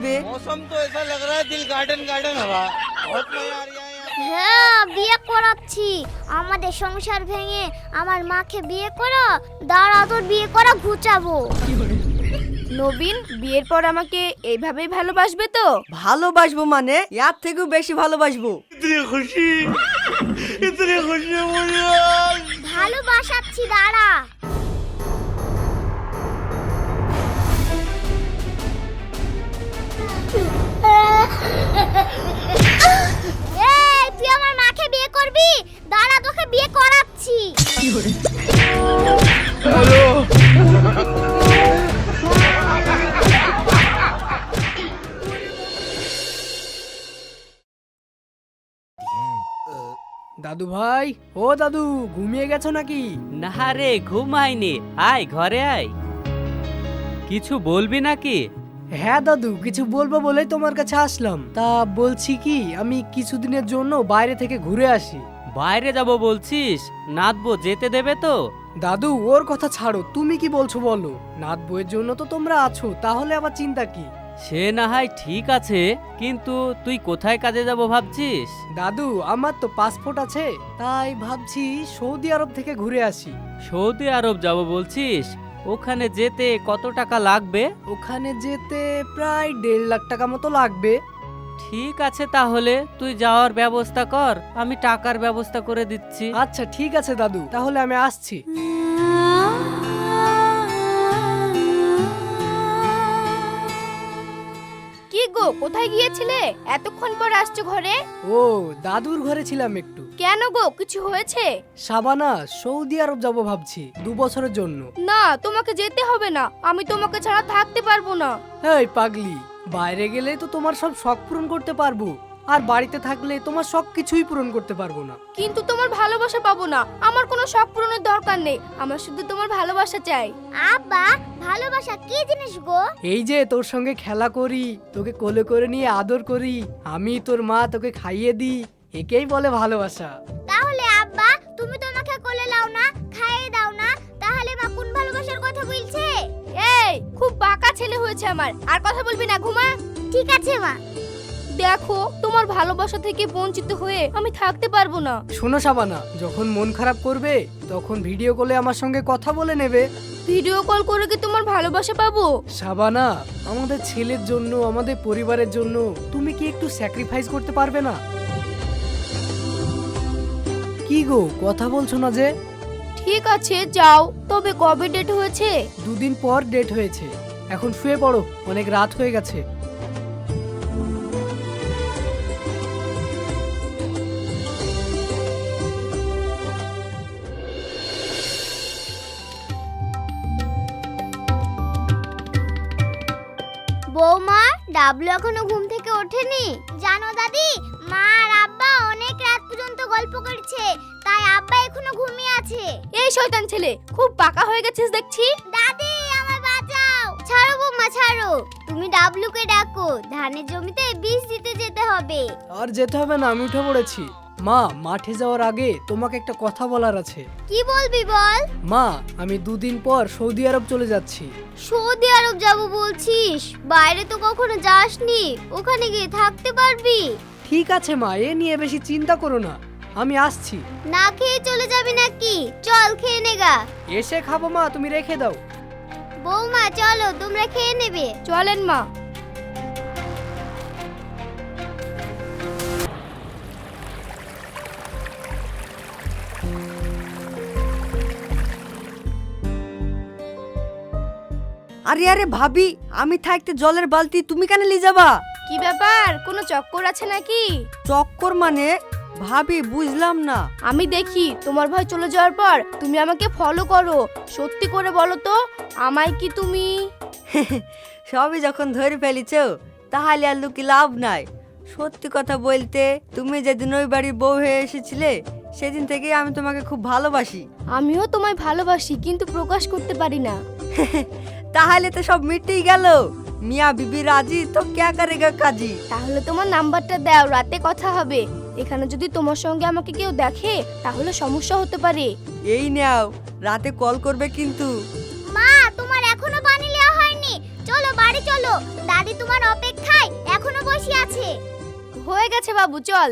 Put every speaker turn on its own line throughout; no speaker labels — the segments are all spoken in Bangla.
मौसम तो ऐसा लग रहा है दिल गार्डन गार्डन हवा बहुत मजा आ रहा है।
হ্যাঁ বিয়ে করাচ্ছি আমাদের সংসার ভেঙে আমার মাকে বিয়ে করো দাঁড়া তোর বিয়ে করা ঘুচাবো
নবীন বিয়ের পর আমাকে এইভাবেই ভালোবাসবে তো?
ভালোবাসবো মানে এর থেকেও বেশি ভালোবাসবো।
इतनी खुशी मुझे आज।
ভালোবাসাচ্ছি দাঁড়া এই তুই আমার মাকে বিয়ে করবি দাঁড়া তোকে বিয়ে করাচ্ছি
দাদু ভাই ও দাদু ঘুমিয়ে গেছো নাকি?
না রে ঘুমাইনি, আয় ঘরে আয়। কিছু বলবি নাকি?
হ্যাঁ দাদু কিছু বলবো বলেই তোমার কাছে আসলাম। তা বলছি কি আমি কিছুদিনের জন্য বাইরে থেকে ঘুরে আসি।
বাইরে যাব বলছিস? নাতবো যেতে দেবে তো?
দাদু ওর কথা ছাড়ো, তুমি কি বলছো বলো। নাত বইয়ের জন্য তো তোমরা আছো, তাহলে আবার চিন্তা কি?
সে না হয় ঠিক আছে, কিন্তু তুই কোথায় কাজে যাব ভাবছিস?
দাদু আমার তো পাসপোর্ট আছে, তাই ভাবছি সৌদি আরব থেকে ঘুরে আসি।
সৌদি আরব যাব বলছিস? ওখানে যেতে কত টাকা লাগবে?
ওখানে যেতে প্রায় 1.5 লাখ টাকা মতো লাগবে।
ঠিক আছে তাহলে তুই যাওয়ার ব্যবস্থা কর, আমি টাকার ব্যবস্থা করে দিচ্ছি।
আচ্ছা ঠিক আছে দাদু, তাহলে আমি আসছি।
কি গো কোথায় গিয়েছিলে? এতক্ষণ পর আসছো ঘরে?
ও দাদুর ঘরে ছিলাম একটু।
কেন গো কিছু হয়েছে?
সাবানা সৌদি আরব যাব ভাবছি 2 বছরের জন্য।
না তোমাকে যেতে হবে না, আমি তোমাকে ছাড়া থাকতে পারবো না।
এই পাগলি, বাইরে গেলে তো তোমার সব শখ পূরণ করতে পারবো, আর বাড়িতে থাকলে তোমার সব কিছুই পূরণ করতে পারবো না।
কিন্তু তোমার ভালোবাসা পাবো না। আমার কোনো শখ পূরণের দরকার নেই, আমার শুধু তোমার ভালোবাসা চাই।
আব্বা ভালোবাসা কি জিনিস গো
এই যে তোর সঙ্গে খেলা করি, তোকে কোলে করে নিয়ে আদর করি, আমি তোর মা তোকে খাইয়ে দিই, একেই বলে ভালোবাসা।
তাহলে আব্বা তুমি তো আমাকে কোলে লাও না খাইয়ে দাও না, তাহলে মা কোন ভালোবাসার কথা বলছে?
এই খুব বাঁকা ছেলে হয়েছে আমার, আর কথা বলবি না, ঘুমা।
ঠিক আছে মা।
দেখো তোমার ভালোবাসা থেকে বঞ্চিত হয়ে আমি থাকতে পারবো না।
শোনো সাবানা, যখন মন খারাপ করবে তখন ভিডিও কলে আমার সঙ্গে কথা বলে নেবে।
ভিডিও কল করে কি তোমার ভালোবাসা পাবো?
সাবানা আমাদের ছেলের জন্য, আমাদের পরিবারের জন্য তুমি কি একটু স্যাক্রিফাইস করতে পারবে না? কি গো কথা বলছো না যে?
ঠিক আছে যাও, তবে কবে ডেট হয়েছে?
2 দিন পর ডেট হয়েছে। এখন শুয়ে পড়ো, অনেক রাত হয়ে গেছে।
বৌমা ডাবলু এখনো ঘুম থেকে ওঠেনি জানো দাদি, মা আর আব্বা অনেক রাত পর্যন্ত গল্প করছে, তাই আব্বা এখনো ঘুমিয়ে আছে।
এই শয়তান ছেলে, খুব পাকা হয়ে গেছিস দেখছি।
দাদি আমায় বাঁচাও। ছাড়ো বৌমা ছাড়ো, তুমি ডাবলুকে ডাকো, ধানের জমিতে বীজ দিতে যেতে হবে।
আর যেতে হবে না, আমি উঠে পড়েছি। মা মাঠে যাওয়ার আগে তোমাকে একটা কথা বলার আছে।
কি বলবি বল।
মা আমি 2 দিন পর সৌদি আরব চলে যাচ্ছি।
সৌদি আরব যাব বলছিস? বাইরে তো কখনো যাসনি, ওখানে গিয়ে থাকতে পারবি?
ঠিক আছে মা, এ নিয়ে বেশি চিন্তা করো না, আমি আসছি।
না খেয়ে চলে যাবি নাকি? চল খেয়ে নেগা।
এসে খাবো মা, তুমি রেখে দাও।
বৌমা চলো তোমরা খেয়ে নেবে।
চলেন মা।
আরে আরে ভাবি, আমি থাকতে জলের বালতি তুমি কেন নিয়ে যাবা?
কি ব্যাপার, কোনো চক্কর আছে নাকি?
চক্কর মানে? ভাবি বুঝলাম না।
আমি দেখি তোমার ভাই চলে যাওয়ার পর তুমি আমাকে ফলো করো, সত্যি করে বলো তো, আমায় কি তুমি?
সবই যখন ধরে ফেলিছো তাহলে আর লুকি লাভ নাই। সত্যি কথা বলতে, তুমি যেদিন ওই বাড়ির বউ হয়ে এসেছিলে সেদিন থেকে আমি তোমাকে খুব ভালোবাসি।
আমিও তোমায় ভালোবাসি, কিন্তু প্রকাশ করতে পারি না।
তাহলে তো সব মিটেই গেল। মিয়া বিবি রাজি তো ক্যা করেগা কাজী।
তাহলে তোমার নাম্বারটা দাও, রাতে কথা হবে। এখানে যদি তোমার সঙ্গে আমাকে কেউ দেখে তাহলে সমস্যা হতে পারে।
এই নাও, রাতে কল করবে কিন্তু।
মা তোমার এখনো পানি নেওয়া হয়নি, চলো বাড়ি চলো, দাদি তোমার অপেক্ষায় এখনো বসে আছে।
হয়ে গেছে বাবু, চল।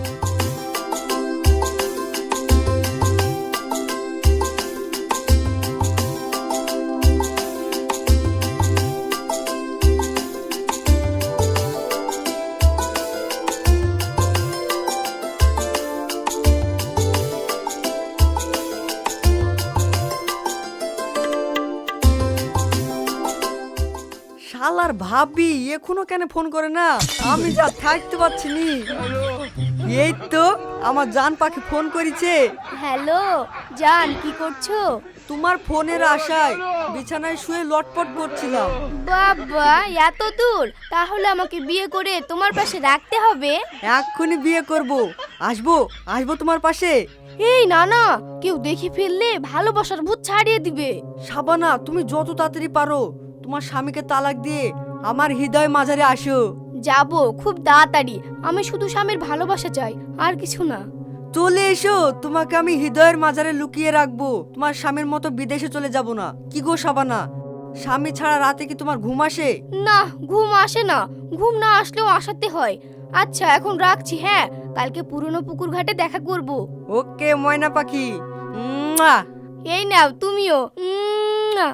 শালার ভাবি এখনো কেন ফোন করে না? আমি যা থাকতে পারছি নি। এই তো আমার জান পাখি ফোন করেছে।
হ্যালো জান, কি করছো?
তোমার ফোনের আশায় বিছানায় শুয়ে লটপট করছিলাম।
বাবা এত দূর? তাহলে আমাকে বিয়ে করে তোমার পাশে রাখতে হবে।
এক্ষুনি বিয়ে করব। আসবো আসবো তোমার পাশে।
এই না না, কেউ দেখে ফেললে ভালোবাসার ভূত ছাড়িয়ে দিবে।
শাবানা, তুমি যত তাড়াতাড়ি পারো তোমার স্বামীকে তালাক দিয়ে আমার হৃদয় মাঝারে আসো।
যাবো খুব তাড়াতাড়ি। আমি শুধু স্বামীর ভালোবাসা চাই, আর কিছু না।
চলে এসো, তোমাকে আমি হৃদয়ের মাঝারে লুকিয়ে রাখবো। তোমার স্বামীর মতো বিদেশে চলে যাব না। কি গো শাবানা, স্বামী ছাড়া রাতে কি তোমার ঘুম আসে?
না, ঘুম আসে না। ঘুম না আসলেও আসাতে হয়। আচ্ছা এখন রাখছি, হ্যাঁ কালকে পুরনো পুকুর ঘাটে দেখা করব।
ওকে ময়না পাখি। মুয়া।
এই নাও তুমিও। মুয়া।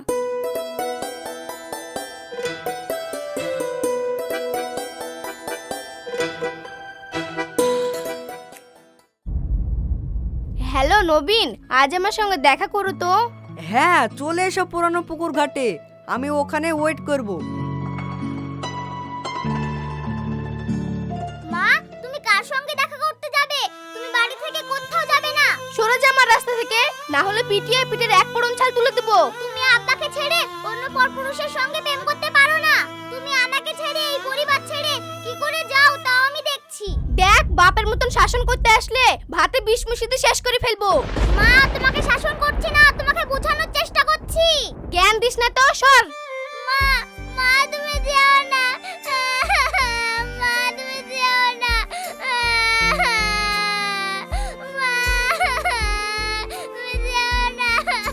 হ্যালো নবীন, আজ আমার সঙ্গে দেখা করো তো।
হ্যাঁ চলে এসো পুরানো পুকুর ঘাটে, আমি ওখানে ওয়েট করব।
মা, তুমি কার সঙ্গে দেখা করতে যাবে? তুমি বাড়ি থেকে কোথাও যাবে না।
সরে যা আমার রাস্তা থেকে, না হলে পিটিয়ে পিঠের এক পড়ন ছাল তুলে দেবো।
তুমি আব্বাকে ছেড়ে অন্য পরপুরুষের সঙ্গে প্রেম করতে পারো না। তুমি আমাকে ছেড়ে এই পরিবার ছেড়ে কি করে যাও তাও আমি দেখছি।
দেখ, বাপের মতন শাসন করতে আসলে ভাতে বিষ মিশিয়ে শেষ করে ফেলবো।
মা, তোমাকে শাসন করছি না, তোমাকে বোঝানোর চেষ্টা করছি।
জ্ঞান দিস না তো, সর।
মা, মা তুমি যেও না। মা তুমি যেও না। মা তুমি যেও না।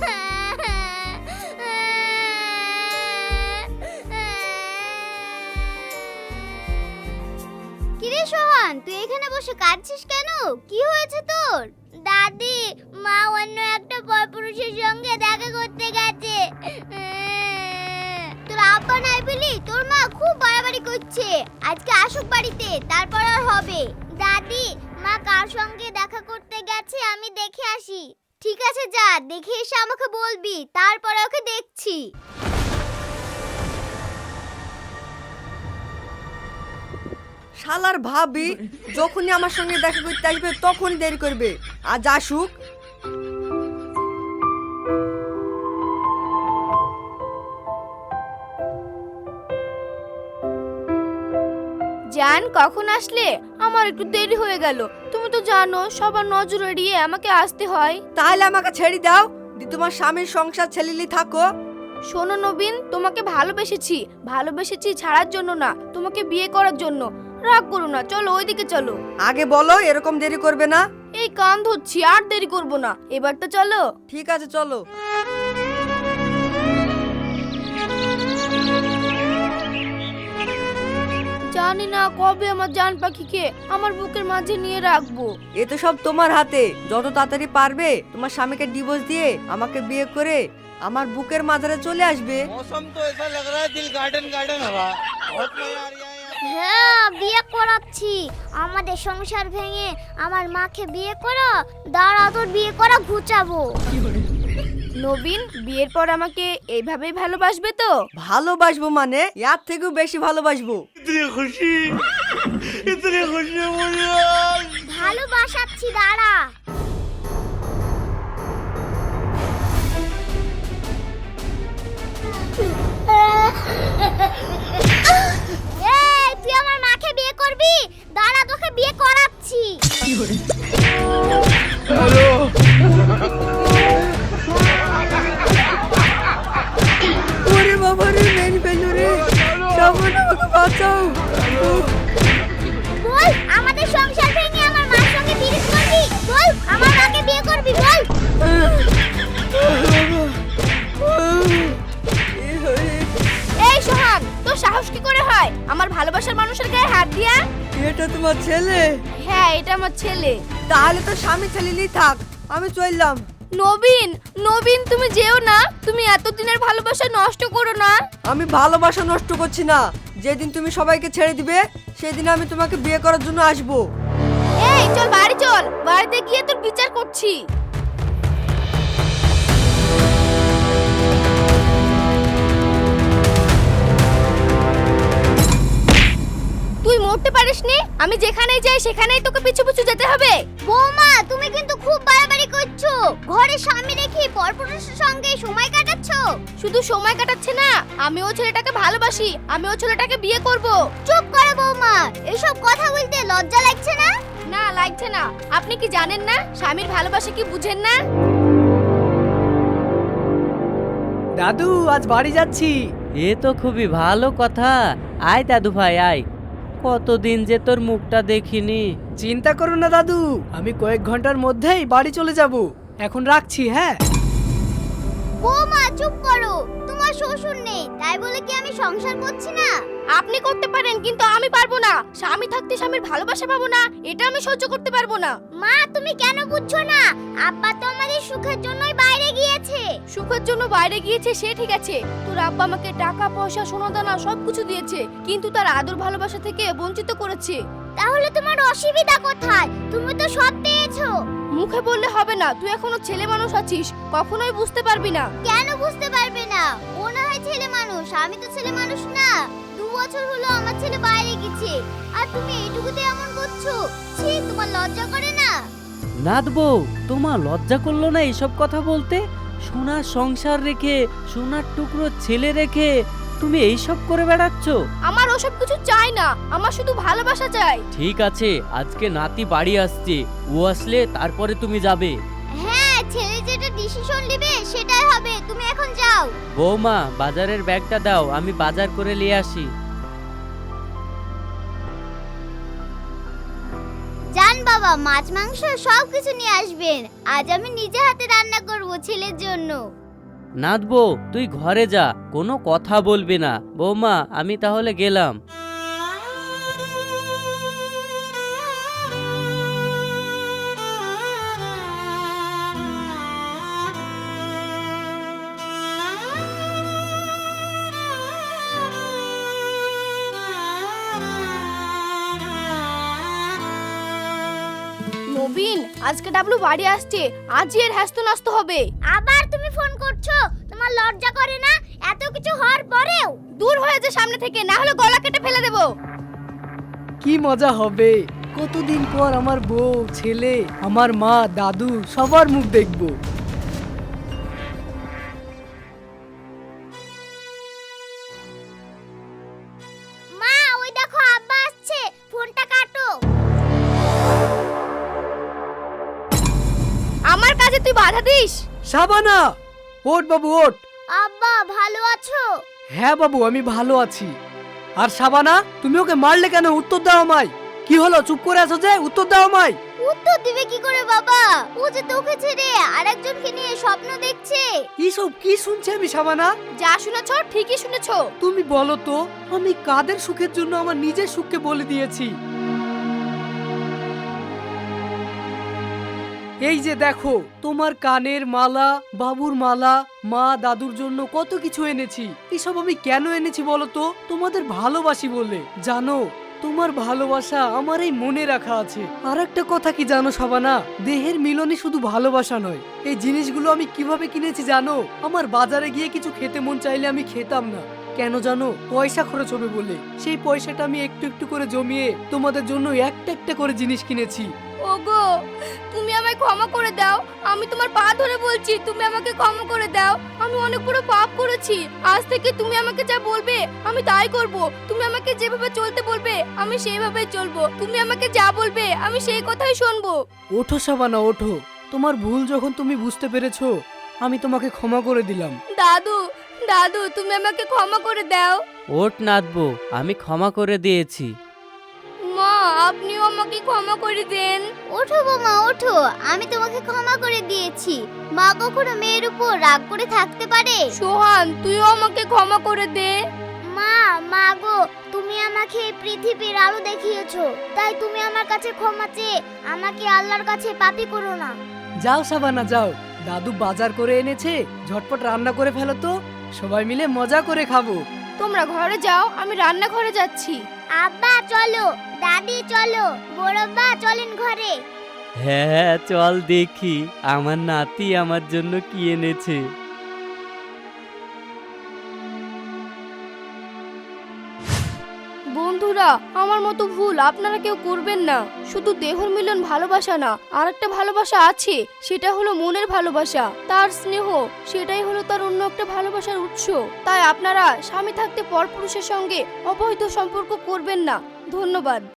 কিরে সোহান, তুই এখানে বসে কাঁদছিস কেন? কি হয়েছে তোর? দাদি, মা অন্য একটা পরপুরুষের সঙ্গে দেখা করতে গেছে। তোর আব্বা নাই বলি তোর মা খুব বাড়াবাড়ি করছে। আজকে আসুক বাড়িতে, তারপর আর হবে। দাদি, মা কার সঙ্গে দেখা করতে গেছে আমি দেখে আসি। ঠিক আছে যা, দেখে এসে আমাকে বলবি, তারপরে ওকে দেখছি।
শালার ভাবি যখনই আমার সঙ্গে দেখা করতে আসবে তখনই দেরি করবে। আজ আসুক।
জান, কখন আসলে? আমার একটু দেরি হয়ে গেল। তুমি তো জানো সবার নজর এড়িয়ে আমাকে আসতে হয়।
তাহলে আমাকে ছেড়ে দাও, দি তোমার স্বামীর সংসার ছেলেলি থাকো।
শোনো নবীন, তোমাকে ভালোবেসেছি ছাড়ার জন্য না, তোমাকে বিয়ে করার জন্য। রাগ করো না, চলো ওইদিকে চলো।
আগে বলো এরকম দেরি করবে না।
এই কান ধরছি, আর দেরি করব না, এবার তো চলো।
ঠিক আছে চলো।
জানি না কবে আমার জান পাখিকে আমার বুকের মাঝে নিয়ে রাখবো।
এ তো সব তোমার হাতে। যত তাড়াতাড়ি পারবে তোমার স্বামীকে ডিভোর্স দিয়ে আমাকে বিয়ে করে আমার বুকের মাঝারে চলে আসবে।
मौसम तो ऐसा लग रहा है दिल गार्डन गार्डन हवा बहुत मजा आ रहा है यहाँ।
হ্যাঁ, বিয়ে করাচ্ছি। আমাদের সংসার ভেঙে আমার মাকে বিয়ে করো। দাঁড়া, তোর বিয়ে করা ঘুচাবো।
নবীন, বিয়ের পর আমাকে এইভাবেই ভালোবাসবে তো?
ভালোবাসবো মানে এর থেকেও বেশি ভালোবাসবো।
इतनी खुशी मुझे आज।
ভালোবাসাচ্ছি, দাঁড়া। এই, তুই আমার মাকে বিয়ে করবি? দাঁড়া, তোকে বিয়ে করাচ্ছি।
ওরে বাবা রে, মেরে ফেললো রে। সামনে আমাকে বাঁচাও।
বল, আমাদের সংসার ভেঙে আমার মার সঙ্গে বিয়ে করবি? বল, আমার মাকে বিয়ে করবি? বল। এই সোহান, তোর
সাহস কি করে হয় আমার ভালোবাসার মানুষের গায়ে হাত দিয়া?
এটা তোমার ছেলে?
হ্যাঁ, এটা আমার ছেলে।
তাহলে তো স্বামী ছেলেই থাক, আমি চললাম।
নবীন, নবীন তুমি যেও না, তুমি এতদিনের ভালোবাসা নষ্ট করো না।
আমি ভালোবাসা নষ্ট করছি না, যেদিন তুমি সবাইকে ছেড়ে দিবে সেদিন আমি তোমাকে বিয়ে করার জন্য আসবো।
এই চল বাড়ি চল, বাড়িতে গিয়ে তোর বিচার করছি। তুই মরতে পারিসনি, আমি যেখানেই যাই সেখানেই তোকে পিছু পিছু যেতে হবে।
বৌমা তুমি কিন্তু খুব বাড়াবাড়ি করছো। ঘরে স্বামী রেখে পরপুরুষের সঙ্গে সময় কাটাচ্ছ।
শুধু সময় কাটাচ্ছে না, আমি ও ছেলেটাকে ভালোবাসি, আমি ও ছেলেটাকে বিয়ে করব।
চুপ করো বৌমা, এসব কথা বলতে লজ্জা লাগছে না?
না লাগছে না। আপনি কি জানেন না স্বামীর ভালোবাসা কি বুঝেন না?
দাদু আজ বাড়ি যাচ্ছি।
এ তো খুবই ভালো কথা। আয় দাদু ভাই আয়, কতদিন যে তোর মুখটা দেখিনি।
চিন্তা করো না দাদু, আমি কয়েক ঘন্টার মধ্যেই বাড়ি চলে যাব। এখন রাখছি, হ্যাঁ।
বৌমা চুপ করো, তোমার শ্বশুর নেই তাই বলে কি আমি সংসার করছি না?
আপনি করতে পারেন কিন্তু আমি পারবো না। স্বামী থাকতে স্বামীর ভালোবাসা পাবো না, এটা আমি সহ্য করতে পারবো না।
মা তুমি কেন বুঝছো না? আব্বা তো আমাদের সুখের জন্যই বাইরে গিয়েছে।
সুখের জন্য বাইরে গিয়েছে সে ঠিক আছে, তোর আব্বা আমাকে টাকা পয়সা সোনা দানা সবকিছু দিয়েছে, কিন্তু তার আদর ভালোবাসা থেকে বঞ্চিত করেছে।
তাহলে তোমার অসুবিধা কোথায়? তুমি তো সব পেয়েছো।
মুখে বললে হবে না, তুই এখনো ছেলে মানুষ আছিস, কখনোই বুঝতে পারবি না।
কেন বুঝতে পারবে না? ও না হয় ছেলে মানুষ, আমি তো ছেলে মানুষ না। 2 বছর হলো আমার ছেলে বাইরে গেছে, আর তুমি এইটুকুতে এমন করছো। ছি, তোমার লজ্জা করে না?
নাথ বউ, তোমার লজ্জা করলো না এইসব কথা বলতে? সোনার সংসার রেখে, সোনার টুকরো ছেলে রেখে তুমি এইসব করে বেড়াচ্ছ?
আমার ওসব কিছু চাই না, আমার শুধু ভালোবাসা চাই।
ঠিক আছে, আজকে নাতি বাড়ি আসছে, ও আসলে তারপরে তুমি যাবে।
হ্যাঁ, ছেলে যেটা ডিসিশন নেবে সেটাই হবে। তুমি এখন যাও।
বৌমা বাজারের ব্যাগটা দাও, আমি বাজার করে নিয়ে আসি।
জান বাবা, মাছ মাংস সব কিছু নিয়ে আসবেন। আজ আমি নিজে হাতে রান্না করব ছেলের জন্য।
নাথ বউ তুই ঘরে যা, কোনো কথা বলবি না। বৌমা আমি তাহলে গেলাম।
নবীন, আজকে ডাবলু বাড়ি আসছে, আজই এর হ্যাস্ত নাস্ত হবে।
আবার তুমি ফোন করছো? তোমার লজ্জা করে না? এত কিছু হওয়ার পরেও?
দূর হয়ে যা সামনে থেকে, না হলে গলা কেটে ফেলে দেবো।
কি মজা হবে, কতদিন পর আমার বউ, ছেলে, আমার মা, দাদু সবার মুখ দেখবো।
মা ওই দেখো আব্বা আসছে, ফোনটা কাটো।
আমার কাজে তুই বাধা দিস?
শাবানা, ওঠ বাবু ওঠ।
আব্বা ভালো আছো?
হ্যাঁ বাবু, আমি ভালো আছি। আর শাবানা, তুমি ওকে মারলে কেন? উত্তর দাও আমায়। কি হলো, চুপ করে আছো যে? উত্তর দাও আমায়।
উত্তর দিবে কি করে বাবা? ও যে তোকে ছেড়ে আরেকজনকে নিয়ে স্বপ্ন দেখছে।
এইসব কি শুনছি আমি শাবানা?
যা শুনেছো ঠিকই শুনেছো।
তুমি বলো তো, আমি কাদের সুখের জন্য আমার নিজের সুখকে বলে দিয়েছি? এই যে দেখো, তোমার কানের মালা, বাবুর মালা, মা দাদুর জন্য কত কিছু এনেছি। এসব আমি কেন এনেছি বলো তো? তোমাদের ভালোবাসি বলে। জানো, তোমার ভালোবাসা আমার এই মনে রাখা আছে। আর একটা কথা কি জানো শাবানা, দেহের মিলনে শুধু ভালোবাসা নয়। এই জিনিসগুলো আমি কিভাবে কিনেছি জানো? আমার বাজারে গিয়ে কিছু খেতে মন চাইলে আমি খেতাম না। কেন জানো? পয়সা খরচ হবে বলে। সেই পয়সাটা আমি একটু একটু করে জমিয়ে তোমাদের জন্য একটা একটা করে জিনিস কিনেছি।
ওগো, তুমি আমায় ক্ষমা করে দাও, আমি তোমার পা ধরে বলছি, তুমি আমাকে ক্ষমা করে দাও। আমি অনেক বড় পাপ করেছি। আজ থেকে তুমি আমাকে যা বলবে আমি তাই করব। তুমি আমাকে যেভাবে চলতে বলবে আমি সেইভাবেই চলবো। তুমি আমাকে যা বলবে আমি সেই কথাই শুনবো।
ওঠো শাবানা ওঠো, তোমার ভুল যখন তুমি বুঝতে পেরেছো, আমি তোমাকে ক্ষমা করে দিলাম।
দাদু, দাদু তুমি আমাকে ক্ষমা করে দাও।
ওঠ নাথ বউ, আমি ক্ষমা করে দিয়েছি।
মা, আপনিও আমাকে ক্ষমা করে দেন।
ওঠো বৌমা ওঠো, আমি তোমাকে ক্ষমা করে দিয়েছি। মা কখনো মেয়ের উপর রাগ করে থাকতে পারে?
সোহান, তুইও আমাকে ক্ষমা করে দে।
মা, মা গো, তুমি আমাকে এই পৃথিবীর আলো দেখিয়েছো, তাই তুমি আমার কাছে ক্ষমা চেয়ে আমাকে আল্লাহর কাছে পাপী করো না।
যাও সাবানা যাও, দাদু বাজার করে এনেছে, ঝটপট রান্না করে ফেলো তো, সবাই মিলে মজা করে খাবো।
তোমরা ঘরে যাও, আমি রান্নাঘরে যাচ্ছি।
আব্বা চলো, দাদি চলো, বড়ব্বা চলেন ঘরে।
হ্যাঁ চল দেখি আমার নাতি আমার জন্য কি এনেছে।
বন্ধুরা, আমার মতো ভুল আপনারা কেউ করবেন না। শুধু দেহর মিলন ভালোবাসা না, আরেকটা ভালোবাসা আছে, সেটা হলো মনের ভালোবাসা। তার স্নেহ, সেটাই হলো তার অন্য একটা ভালোবাসার উৎস। তাই আপনারা স্বামী থাকতে পরপুরুষের সঙ্গে অবৈধ সম্পর্ক করবেন না। ধন্যবাদ।